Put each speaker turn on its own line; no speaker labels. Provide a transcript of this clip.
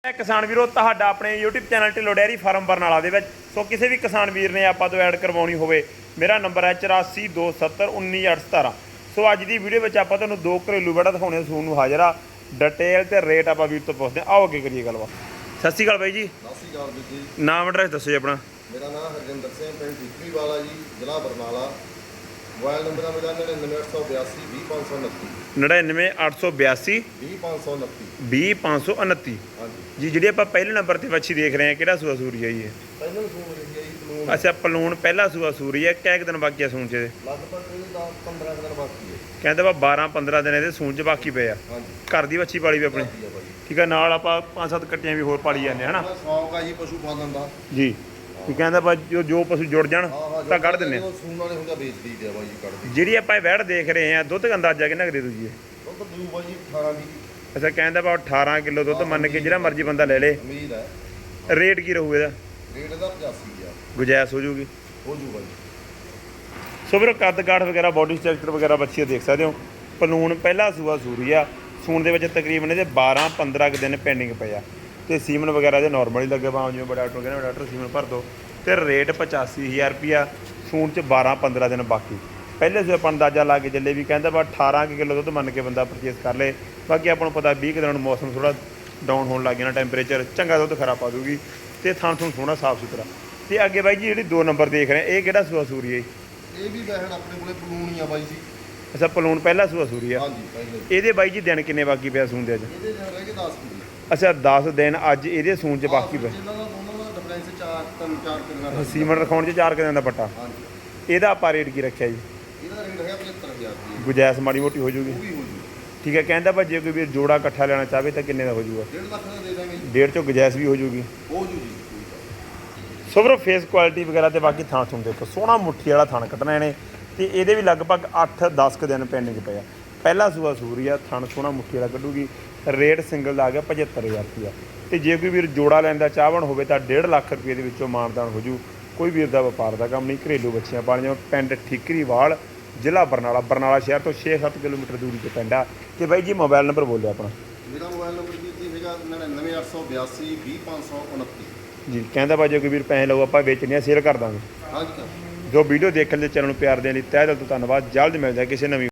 किसान वीरो तुहाडा अपने YouTube channel Dhillon dairy farm Barnala दे विच सो किसी भी किसान वीर ने आपां तो ऐड करवाउणी होवे मेरा नंबर है 8427191817। सो अज की वीडियो में आपां तुहानूं दो घरेलू बड़ा दिखाने सून नूं हाज़र आ डिटेल ते रेट आपां वीर तो पुछदे आओ अगे करिए गलबात। सत श्री अकाल बाई जी।
सत श्री अकाल जी।
नाम एड्रैस दसो जी अपना।
मेरा नाम हरजिंदर सिंह पिंड ठीकरी वाला जी जिला बरनाला। मोबाइल नंबर है मेरा 99 882
99 882 20529
हाँ जी।
जी जी ਆਪਾਂ ਪਹਿਲੇ ਨੰਬਰ ਤੇ ਵੱਛੀ ਦੇਖ ਰਹੇ ਹਾਂ ਕਿਹੜਾ ਸੂਆ ਸੂਰੀ ਹੈ ਜੀ ਇਹ?
ਪਹਿਲਾਂ ਸੂਣ ਰਹੀ ਹੈ ਜੀ ਪਲੂਣ।
ਅੱਛਾ ਪਲੂਣ ਪਹਿਲਾ ਸੂਆ ਸੂਰੀ ਹੈ ਕਿੰਨੇ ਦਿਨ ਬਾਕੀ ਆ ਸੂਣ ਚ ਇਹਦੇ?
ਲਗਭਗ 15 ਦਿਨ ਬਾਕੀ ਹੈ।
ਕਹਿੰਦੇ ਵਾ 12-15 ਦਿਨ ਇਹਦੇ ਸੂਣ ਚ ਬਾਕੀ ਪਏ ਆ।
ਹਾਂਜੀ
ਘਰ ਦੀ ਵੱਛੀ ਪਾਲੀ ਵੀ ਆਪਣੀ ਠੀਕ ਹੈ ਨਾਲ ਆਪਾਂ 5-7 ਕੱਟੀਆਂ ਵੀ ਹੋਰ ਪਾਲੀ ਜਾਂਦੇ ਹਨਾ
ਸ਼ੌਂਕ ਆ ਜੀ ਪਸ਼ੂ ਪਾਲਣ ਦਾ
ਜੀ। ਕੀ ਕਹਿੰਦਾ ਬਾ ਜੋ ਪਸ਼ੂ ਜੁੜ ਜਾਣ ਤਾਂ ਕੱਢ ਦਿੰਦੇ ਆ।
ਸੂਣ ਵਾਲੇ ਹੁੰਦਾ ਵੇਚ ਦਈਦੇ ਆ ਬਾਈ ਜੀ ਕੱਢ
ਜਿਹੜੀ ਆਪਾਂ ਇਹ ਵੈੜ ਦੇਖ ਰਹੇ ਆ ਦੁੱਧ ਦਾ ਅੰਦਾਜ਼ਾ ਕਿੰਨਾ ਕੁ ਦੇ ਦੂ ਜੀ ਇਹ?
ਦੁੱਧ ਦੂ ਬਾਈ 18 ਦੀ
ਅੱਛਾ ਕਹਿੰਦਾ ਬਾ 18 ਕਿਲੋ ਦੁੱਧ ਮੰਨ ਕੇ ਜਿਹੜਾ ਮਰਜ਼ੀ ਬੰਦਾ ਲੈ ਲੇ।
ਉਮੀਦ ਹੈ।
ਰੇਟ ਕੀ ਰਹੂ ਇਹਦਾ?
ਰੇਟ ਦਾ 85 ਆ
ਗੁਜਾਇਸ਼ ਹੋ ਜੂਗੀ
ਹੋ ਜੂ ਬਾਈ।
ਸੋ ਵੀਰੋ ਕੱਦ ਕਾਠ ਵਗੈਰਾ ਬੋਡੀ ਸਟਰਕਚਰ ਵਗੈਰਾ ਬੱਚੀ ਦੇਖ ਸਕਦੇ ਹੋ। ਪਲੂਣ ਪਹਿਲਾ ਸੂਆ ਸੂਰੀ ਆ ਸੂਣ ਦੇ ਵਿੱਚ ਤਕਰੀਬਨ ਇਹਦੇ 12-15 ਦਿਨ ਪੈਂਡਿੰਗ ਪਏ ਆ ਤੇ ਸੀਮਨ ਵਗੈਰਾ ਦੇ ਨਾਰਮਲ ਹੀ ਲੱਗੇ ਭਾਵੇਂ ਜਿਵੇਂ ਬੜਾ ਡਾਕਟਰ ਕਹਿੰਦਾ ਡਾਕਟਰ ਸੀਮਨ ਭਰ ਦੋ ਤੇ ਰੇਟ 85000 ਰੁਪਿਆ ਸੂਣ ਚ 12-15 ਦਿਨ ਬਾਕੀ। ਪਹਿਲੇ ਸੂਏ ਆਪਾਂ ਅੰਦਾਜ਼ਾ ਲਾ ਕੇ ਚੱਲੇ ਵੀ ਕਹਿੰਦਾ ਵਾ 18 ਕਿਲੋ ਦੁੱਧ ਮੰਨ ਕੇ ਬੰਦਾ ਪਰਚੇਸ ਕਰ ਲੇ। ਬਾਕੀ ਆਪਾਂ ਨੂੰ ਪਤਾ 20 ਦਿਨਾਂ ਨੂੰ ਮੌਸਮ ਥੋੜਾ ਡਾਊਨ ਹੋਣ ਲੱਗ ਜਾਣਾ ਟੈਂਪਰੇਚਰ ਚੰਗਾ ਦੁੱਧ ਖਰਾ ਪਾ ਦੂਗੀ ਤੇ ਥਾਂ ਥੂਣ ਸੋਹਣਾ ਸਾਫ ਸੁਥਰਾ। ਤੇ ਅੱਗੇ ਬਾਈ ਜੀ ਜਿਹੜੀ 2 ਨੰਬਰ ਦੇਖ ਰਹੇ ਇਹ ਕਿਹੜਾ ਸੂਆ ਸੂਰੀ ਹੈ?
ਇਹ ਵੀ ਵੈਣ ਆਪਣੇ ਕੋਲੇ ਪਲੂਣ ਹੀ ਆ ਬਾਈ ਜੀ।
ਅੱਛਾ ਪਲੂਣ ਪਹਿਲਾ ਸੂਆ ਸੂਰੀ ਆ।
ਹਾਂਜੀ ਪਹਿਲੇ।
ਇਹਦੇ ਬਾਈ ਜੀ ਦਿਨ ਕਿੰਨੇ ਬਾਕੀ ਪਿਆ ਸੂਣ ਦੇ ਅੱਜ?
ਇਹਦੇ ਦਿਨ ਰਹਿ ਗਏ 10 ਦਿਨ।
ਅੱਛਾ 10 ਦਿਨ ਅੱਜ ਇਹਦੇ ਸੂਣ ਚ ਬਾਕੀ ਪਏ।
ਇਹਨਾਂ ਦਾ ਦੋਨਾਂ ਦਾ ਡਿਫਰੈਂਸ 4 ਦਿਨਾਂ ਦਾ।
ਸੀਮਨ ਰਖਾਉਣ ਚ 4 ਦਿਨਾਂ ਦਾ ਪੱਟਾ।
ਹਾਂਜੀ
ਇਹਦਾ ਆਪਾਂ ਰੇਟ ਕੀ ਰੱਖਿਆ ਜੀ?
ਇਹਦਾ ਰੇਟ ਹੈਗਾ 75000 ਰੁਪਏ।
ਗੁਜਾਇਸ਼ ਮਾੜੀ ਮੋਟੀ ਹੋ ਜੂਗੀ?
ਉਹ ਵੀ ਹੋ ਜੂ।
ਠੀਕ ਹੈ ਕਹਿੰਦਾ ਭਾਈ ਜੇ ਕੋਈ ਵੀਰ ਜੋੜਾ ਇਕੱਠਾ ਲੈਣਾ ਚਾਹਵੇ ਤਾਂ ਕਿੰਨੇ ਦਾ ਹੋ ਜੂਗਾ?
1.5 ਲੱਖ ਦਾ ਦੇ ਦਾਂਗੇ ਜੀ।
1.5 ਚੋਂ ਗੁਜਾਇਸ਼ ਵੀ ਹੋ ਜੂਗੀ।
ਹੋ ਜੂ ਜੀ।
ਸੋ ਵੀਰੋ ਫੇਸ ਕੁਆਲਿਟੀ ਵਗੈਰਾ ਤੇ ਬਾਕੀ ਥਾਂ ਥੂਣ ਦੇਖੋ ਸੋਹਣਾ ਮੁੱਠੀ ਵਾਲਾ ਥਣ ਕੱਟਣਾ ਇਹਨੇ ਤੇ ਇਹਦੇ ਵੀ ਲਗਭਗ 8-10 ਕੁ ਦਿਨ ਪੈਂਡਿੰਗ ਪਏ ਆ। ਪਹਿਲਾ ਸੂਆ ਸੂਰੀ ਆ ਥਣ ਸੋਹਣਾ ਮੁੱਠੀ ਵਾਲਾ ਕੱਢੂਗੀ। ਰੇਟ ਸਿੰਗਲ ਦਾ ਆ ਗਿਆ 75000 ਰੁਪਇਆ ਤੇ ਜੇ ਕੋਈ ਵੀਰ ਜੋੜਾ ਲੈਂਦਾ ਚਾਹਵਣ ਹੋਵੇ ਤਾਂ 1.5 ਲੱਖ ਰੁਪਏ ਦੇ ਵਿੱਚੋਂ ਮਾਨਦਾਨ ਹੋ ਜੂ। ਕੋਈ ਵੀਰ ਦਾ ਵਪਾਰ ਦਾ ਕੰਮ ਨਹੀਂ ਘਰੇਲੂ ਬੱਚੀਆਂ ਪਾਲੀਆਂ। ਪਿੰਡ ਠੀਕਰੀਵਾਲ ਜ਼ਿਲ੍ਹਾ ਬਰਨਾਲਾ ਸ਼ਹਿਰ ਤੋਂ 6-7 ਕਿਲੋਮੀਟਰ ਦੂਰੀ ਤੇ ਪਿੰਡ ਆ। ਤੇ ਬਾਈ ਜੀ ਮੋਬਾਈਲ ਨੰਬਰ ਬੋਲਿਓ ਆਪਣਾ।
ਮੇਰਾ ਮੋਬਾਈਲ ਨੰਬਰ ਜੀ ਹੈਗਾ 99882 20529
ਜੀ ਕਹਿੰਦਾ ਭਾਈ ਜੇ ਕੋਈ ਵੀਰ ਪੈਸੇ ਲਓ ਆਪਾਂ ਵੇਚਣੇ ਆ ਸੇਲ ਕਰ ਦਾਂਗੇ।
ਹਾਂਜੀ।
ਜੋ ਵੀਡੀਓ ਦੇਖਣ ਦੇ ਚੈਨਲ ਨੂੰ ਪਿਆਰ ਦੇਣ ਲਈ ਤਹਿ ਦਿਲ ਤੋਂ ਧੰਨਵਾਦ। ਜਲਦ ਮਿਲਦਾ ਕਿਸੇ ਨਵੀਂ